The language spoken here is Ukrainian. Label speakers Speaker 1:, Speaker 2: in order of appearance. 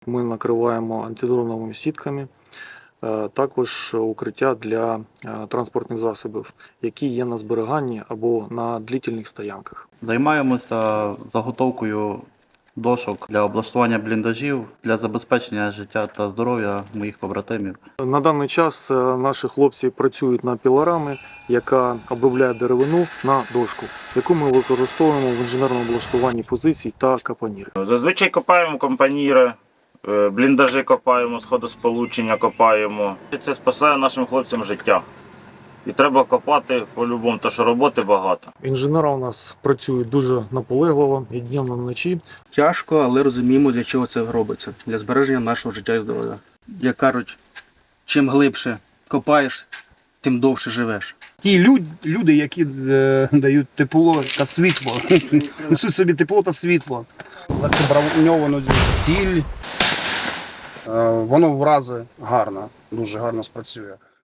Speaker 1: Ми накриваємо антидроновими сітками, також укриття для транспортних засобів, які є на зберіганні або на длительних стоянках.
Speaker 2: Займаємося заготовкою дошок для облаштування бліндажів, для забезпечення життя та здоров'я моїх побратимів.
Speaker 1: На даний час наші хлопці працюють над пілорами, яка обробляє деревину на дошку, яку ми використовуємо в інженерному облаштуванні позицій та капонірів.
Speaker 3: Зазвичай копаємо компаніри, бліндажі копаємо, сходосполучення копаємо. Це спасає нашим хлопцям життя. І треба копати по-любому, тому що роботи багато.
Speaker 1: Інженери у нас працюють дуже наполегливо і днем, і вночі.
Speaker 4: Тяжко, але розуміємо, для чого це робиться. Для збереження нашого життя і здоров'я. Як кажуть, чим глибше копаєш, тим довше живеш.
Speaker 5: Ті люди, які дають тепло та світло, несуть собі тепло та світло. Легко броньовану ціль, воно врази гарно, дуже гарно спрацює.